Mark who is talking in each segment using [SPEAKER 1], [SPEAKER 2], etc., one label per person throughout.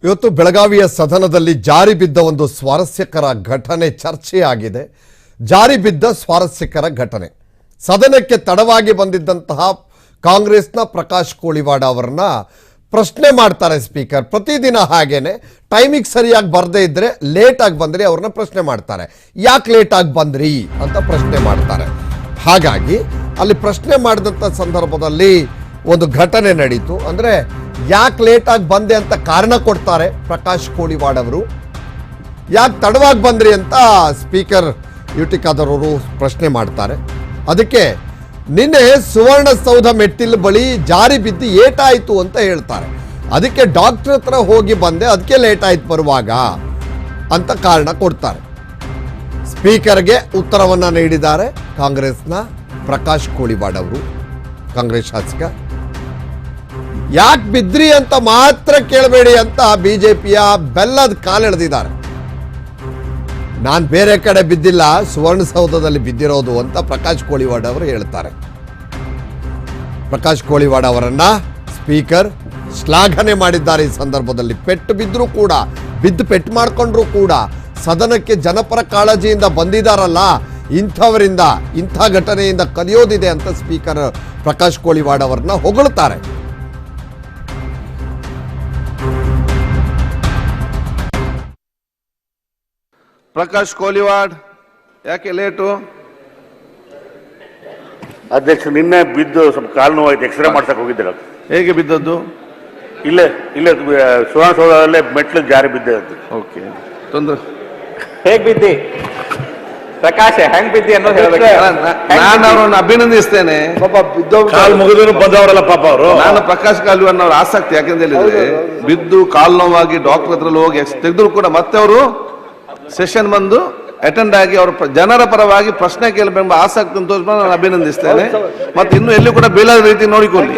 [SPEAKER 1] ಇವತ್ತು ಬೆಳಗಾವಿಯ ಸದನದಲ್ಲಿ ಜಾರಿ ಬಿದ್ದ ಒಂದು ಸ್ವಾರಸ್ಯಕರ ಘಟನೆ ಚರ್ಚೆಯಾಗಿದೆ. ಜಾರಿ ಬಿದ್ದ ಸ್ವಾರಸ್ಯಕರ ಘಟನೆ. ಸದನಕ್ಕೆ ತಡವಾಗಿ ಬಂದಿದ್ದಂತಹ ಕಾಂಗ್ರೆಸ್ನ ಪ್ರಕಾಶ್ ಕೋಳಿವಾಡ ಅವರನ್ನ ಪ್ರಶ್ನೆ ಮಾಡ್ತಾರೆ ಸ್ಪೀಕರ್. ಪ್ರತಿದಿನ ಹಾಗೇನೆ ಟೈಮಿಗೆ ಸರಿಯಾಗಿ ಬರದೇ ಇದ್ರೆ ಲೇಟ್ ಆಗಿ ಬಂದ್ರಿ ಅವ್ರನ್ನ ಪ್ರಶ್ನೆ ಮಾಡ್ತಾರೆ. ಯಾಕೆ ಲೇಟ್ ಆಗಿ ಬಂದ್ರಿ ಅಂತ ಪ್ರಶ್ನೆ ಮಾಡ್ತಾರೆ. ಹಾಗಾಗಿ ಅಲ್ಲಿ ಪ್ರಶ್ನೆ ಮಾಡಿದಂಥ ಸಂದರ್ಭದಲ್ಲಿ ಒಂದು ಘಟನೆ ನಡೀತು. ಅಂದ್ರೆ ಯಾಕೆ ಲೇಟ್ ಆಗಿ ಬಂದೆ ಅಂತ ಕಾರಣ ಕೊಡ್ತಾರೆ ಪ್ರಕಾಶ್ ಕೋಳಿವಾಡ್ ಅವರು. ಯಾಕೆ ತಡವಾಗಿ ಬಂದ್ರಿ ಅಂತ ಸ್ಪೀಕರ್ ಯುಟಿ ಖಾದರ್ ಅವರು ಪ್ರಶ್ನೆ ಮಾಡ್ತಾರೆ. ಅದಕ್ಕೆ ನಿನ್ನೆ ಸುವರ್ಣಸೌಧ ಮೆಟ್ಟಿಲು ಬಳಿ ಜಾರಿ ಬಿದ್ದು ಏಟಾಯಿತು ಅಂತ ಹೇಳ್ತಾರೆ. ಅದಕ್ಕೆ ಡಾಕ್ಟರ್ ಹತ್ರ ಹೋಗಿ ಬಂದೆ, ಅದಕ್ಕೆ ಲೇಟ್ ಆಯ್ತು ಬರುವಾಗ ಅಂತ ಕಾರಣ ಕೊಡ್ತಾರೆ. ಸ್ಪೀಕರ್ಗೆ ಉತ್ತರವನ್ನ ನೀಡಿದ್ದಾರೆ ಕಾಂಗ್ರೆಸ್ನ ಪ್ರಕಾಶ್ ಕೋಳಿವಾಡ್ ಅವರು, ಕಾಂಗ್ರೆಸ್ ಶಾಸಕ. ಯಾಕೆ ಬಿದ್ರಿ ಅಂತ ಮಾತ್ರ ಕೇಳಬೇಡಿ ಅಂತ ಬಿಜೆಪಿಯ ಬೆಲ್ಲದ ಕಾಲೆಳೆದಿದ್ದಾರೆ. ನಾನು ಬೇರೆ ಕಡೆ ಬಿದ್ದಿಲ್ಲ, ಸುವರ್ಣಸೌಧದಲ್ಲಿ ಬಿದ್ದಿರೋದು ಅಂತ ಪ್ರಕಾಶ್ ಕೋಳಿವಾಡ್ ಅವರು ಹೇಳ್ತಾರೆ. ಪ್ರಕಾಶ್ ಕೋಳಿವಾಡ್ ಅವರನ್ನ ಸ್ಪೀಕರ್ ಶ್ಲಾಘನೆ ಮಾಡಿದ್ದಾರೆ. ಈ ಸಂದರ್ಭದಲ್ಲಿ ಪೆಟ್ಟು ಬಿದ್ದರೂ ಕೂಡ, ಬಿದ್ದು ಪೆಟ್ಟು ಮಾಡ್ಕೊಂಡ್ರು ಕೂಡ ಸದನಕ್ಕೆ ಜನಪರ ಕಾಳಜಿಯಿಂದ ಬಂದಿದ್ದಾರಲ್ಲ, ಇಂಥವರಿಂದ ಇಂಥ ಘಟನೆಯಿಂದ ಕಲಿಯೋದಿದೆ ಅಂತ ಸ್ಪೀಕರ್ ಪ್ರಕಾಶ್ ಕೋಳಿವಾಡ್ ಅವರನ್ನ ಹೊಗಳ್ತಾರೆ.
[SPEAKER 2] ಪ್ರಕಾಶ್ ಕೋಳಿವಾಡ್ ಯಾಕೆ ಲೇಟು?
[SPEAKER 3] ಅಧ್ಯಕ್ಷ ನಿನ್ನೆ ಬಿದ್ದು ಸ್ವಲ್ಪ ಕಾಲು ನೋವಾಯ್ತು, ಎಕ್ಸ್ರೇ ಮಾಡ್ಸಕ್ ಹೋಗಿದ್ದೆ.
[SPEAKER 2] ಹೇಗೆ ಬಿದ್ದದ್ದು?
[SPEAKER 3] ಇಲ್ಲೇ ಸುವರ್ಣಸೌಧದಲ್ಲೇ ಮೆಟ್ಲು ಜಾರಿ ಬಿದ್ದೆ.
[SPEAKER 2] ಓಕೆ, ತೊಂದ್ರೆ.
[SPEAKER 4] ಹೇಗ್ ಬಿದ್ದಿ ಪ್ರಕಾಶ್, ಹೆಂಗ್ ಬಿದ್ದಿ ಅನ್ನೋದು ಹೇಳ್ಬೇಕು.
[SPEAKER 2] ನಾನು ಅವ್ರನ್ನ ಅಭಿನಂದಿಸ್ತೇನೆ.
[SPEAKER 3] ಕಾಲು ಮುಗಿದ್ರು ಬಂದವರಲ್ಲ ಪಾಪ ಅವರು.
[SPEAKER 2] ನಾನು ಪ್ರಕಾಶ್ ಕೋಳಿವಾಡ್ ಅವ್ರ ಆಸಕ್ತಿ ಯಾಕೆಂತ ಹೇಳಿದ್ರೆ, ಬಿದ್ದು ಕಾಲು ನೋವಾಗಿ ಡಾಕ್ಟರ್ ಹತ್ರ ಹೋಗಿ ತೆಗೆದ್ರು ಕೂಡ ಮತ್ತೆ ಅವರು ಸೆಷನ್ ಬಂದು ಅಟೆಂಡ್ ಆಗಿ ಅವರು ಜನರ ಪರವಾಗಿ ಪ್ರಶ್ನೆ ಕೇಳಬೇಕೆಂಬ ಆಸಕ್ತಿ ತೋರಿಸ್ಕೊಂಡು ನಾನು ಅಭಿನಂದಿಸ್ತೇನೆ. ಮತ್ತೆ ಇನ್ನು ಎಲ್ಲಿ ಕೂಡ ಬೀಳದ ರೀತಿ ನೋಡಿಕೊಳ್ಳಿ.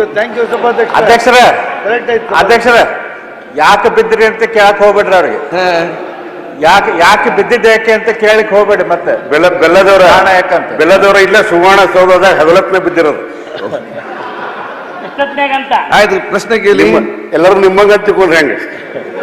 [SPEAKER 4] ಅಧ್ಯಕ್ಷರ ಯಾಕೆ ಬಿದ್ದಿರಿ ಅಂತ ಕೇಳಕ್ ಹೋಗ್ಬೇಡ್ರಿ ಅವ್ರಿಗೆ. ಯಾಕೆ ಬಿದ್ದಿದ್ದೆ ಯಾಕೆ ಅಂತ ಕೇಳಕ್ ಹೋಗ್ಬೇಡಿ. ಮತ್ತೆ
[SPEAKER 3] ಬೆಲ್ಲದವರ ಇಲ್ಲ ಸುವರ್ಣಸೌಧದ ಹಗಲತ್ನ ಬಿದ್ದಿರೋದು.
[SPEAKER 2] ಆಯ್ತು, ಪ್ರಶ್ನೆ ಕೇಳಿ.
[SPEAKER 3] ಎಲ್ಲರೂ ನಿಮ್ಮಂಗ ತಿಳ್ಕೊಂಡ್ರೆ ಹೆಂಗೆ?